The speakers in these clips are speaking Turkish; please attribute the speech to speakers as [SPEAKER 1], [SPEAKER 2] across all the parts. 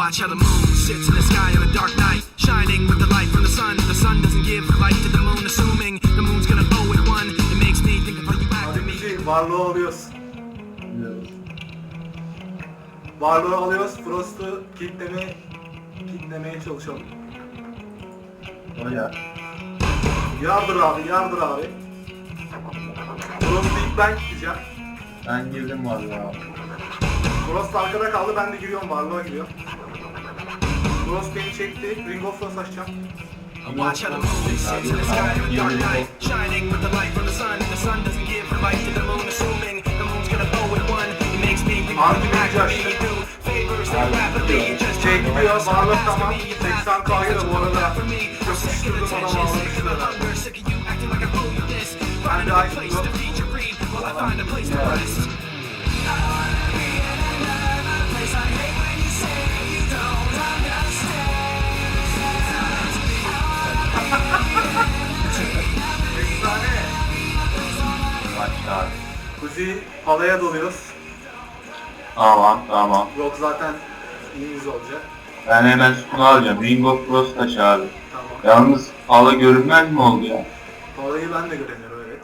[SPEAKER 1] watch how the moon sits in the sky on a dark night, shining with the light from the sun. The sun doesn't give light to the moon, assuming the moon's gonna owe it one. It makes me think of how you act to me.
[SPEAKER 2] Varlığı alıyoruz. Varlığı alıyoruz. Frost'u kilitlemeye çalışalım.
[SPEAKER 3] Oya.
[SPEAKER 2] Yardır abi, yardır abi. Frost'u ilk ben gideceğim.
[SPEAKER 3] Ben girdim vallahi.
[SPEAKER 2] Frost arkada kaldı, ben de giriyorum, varlığa giriyorum. Frost beni çekti, Ring of Frost açacağım.
[SPEAKER 1] Watch how the moon sits in the sky on a dark night, shining with the light from the sun. The sun doesn't give light to the moon, assuming the moon's gonna owe it one. It makes me think of you act to me. You do favors that rapidly, you just
[SPEAKER 2] Şey gidiyor, varlık tamam. 80K'yı da bu arada yapıştırdım, adam almıştı. Ben de açtım.
[SPEAKER 3] Başla abi.
[SPEAKER 2] Kuzi halaya doluyoruz.
[SPEAKER 3] Tamam.
[SPEAKER 2] Yok zaten iyimiz olacak.
[SPEAKER 3] Ben hemen Sukunu alacağım. Ring of Frost taşı abi.
[SPEAKER 2] Tamam.
[SPEAKER 3] Yalnız hala görünmez mi oldu ya?
[SPEAKER 2] Halayı ben de göremiyorum, evet.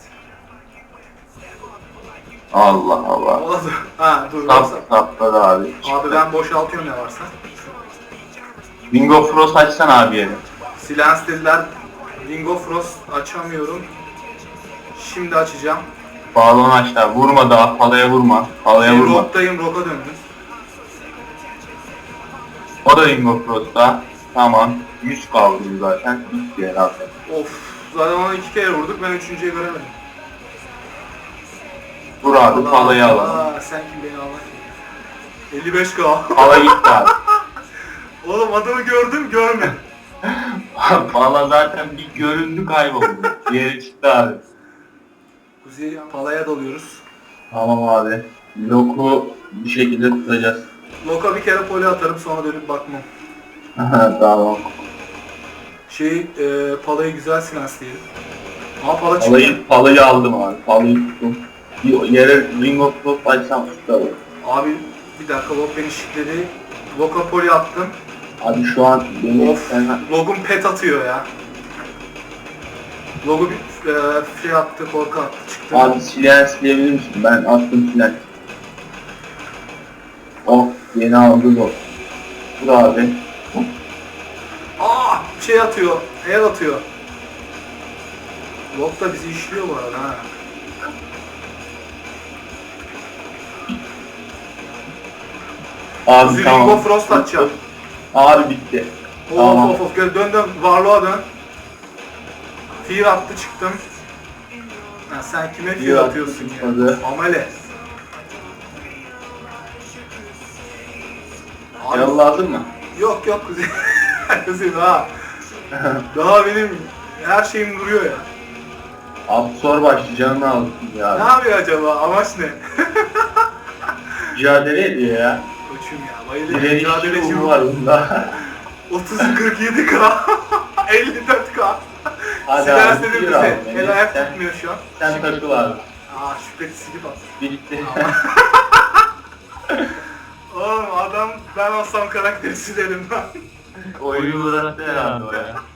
[SPEAKER 3] Allah Allah.
[SPEAKER 2] Oldu. Ha dur. Varsa.
[SPEAKER 3] Sapladı abi.
[SPEAKER 2] Abi ben boşaltıyorum ne varsa.
[SPEAKER 3] Ring of Frost açsana abi yeri.
[SPEAKER 2] Silence dediler. Ring of Frost açamıyorum. Şimdi açacağım.
[SPEAKER 3] Balon aç da vurma daha halaya vurma. Halaya vurma.
[SPEAKER 2] Rock'tayım, Rock'a döndüm.
[SPEAKER 3] O da Ring of Frost'ta. Tamam. 100 kaldı zaten. Bitti herhalde.
[SPEAKER 2] Of. Zaten ona 2 kere vurduk, ben 3.'yü göremedim.
[SPEAKER 3] Vur abi halayı alalım.
[SPEAKER 2] Allah, sen kim beni al? 55K.
[SPEAKER 3] Hala gitti abi.
[SPEAKER 2] Oğlum adamı gördüm, görmedim.
[SPEAKER 3] Valla zaten bir göründü kayboldu. Diğeri çıktı abi.
[SPEAKER 2] Kuzey palaya dalıyoruz.
[SPEAKER 3] Tamam abi. Loku bir şekilde tutacağız.
[SPEAKER 2] Loka bir kere poli atarım, sonra dönüp bakmam.
[SPEAKER 3] Tamam.
[SPEAKER 2] Palayı güzel silence'leyelim. Ama pala çıktı.
[SPEAKER 3] Palayı aldım abi. Palayı tuttum. Yere Ring of Frost açsam tutalım.
[SPEAKER 2] Abi bir dakika, Lok beni şitledi. Loka poli attım.
[SPEAKER 3] Abi şu an benim
[SPEAKER 2] Of, Log'un pet atıyor ya. Log'u bir şey attı, korku attı, çıktı.
[SPEAKER 3] Abi silencileyebilir misin? Ben attım silenci. Oh yeni aldı Log. Dur abi.
[SPEAKER 2] Şey atıyor, el atıyor. Log da bizi işliyor bu arada ha.
[SPEAKER 3] Abi
[SPEAKER 2] Kuzi
[SPEAKER 3] tamam.
[SPEAKER 2] Ring of Frost atacağım.
[SPEAKER 3] Abi bitti.
[SPEAKER 2] Of, dön varlığa dön. Fear attı, çıktım. Ha, sen kime fear atıyorsun ya? Amele. Abi,
[SPEAKER 3] Yalladın mı?
[SPEAKER 2] yok Kuzey. Kuzey daha benim her şeyim duruyor ya.
[SPEAKER 3] Abi sor başlayacağını aldın ya.
[SPEAKER 2] Ne yapıyor acaba? Amaç ne?
[SPEAKER 3] Mücadele ediyor ya.
[SPEAKER 2] Koçum ya, bayılıyorum.
[SPEAKER 3] Direnişçi
[SPEAKER 2] Mücadeleci
[SPEAKER 3] ruhu var bunda.
[SPEAKER 2] 30-47K 54K.
[SPEAKER 3] Hadi
[SPEAKER 2] Sigara
[SPEAKER 3] abi,
[SPEAKER 2] dedim
[SPEAKER 3] buyur
[SPEAKER 2] bize.
[SPEAKER 3] abi.
[SPEAKER 2] El ayak tutmuyor şu an.
[SPEAKER 3] Sen takıl abi.
[SPEAKER 2] Şüpheli silip at.
[SPEAKER 3] Bitti.
[SPEAKER 2] Oğlum adam, ben olsam karakteri silerim ben.
[SPEAKER 3] Oyunu bıraktı herhalde o ya.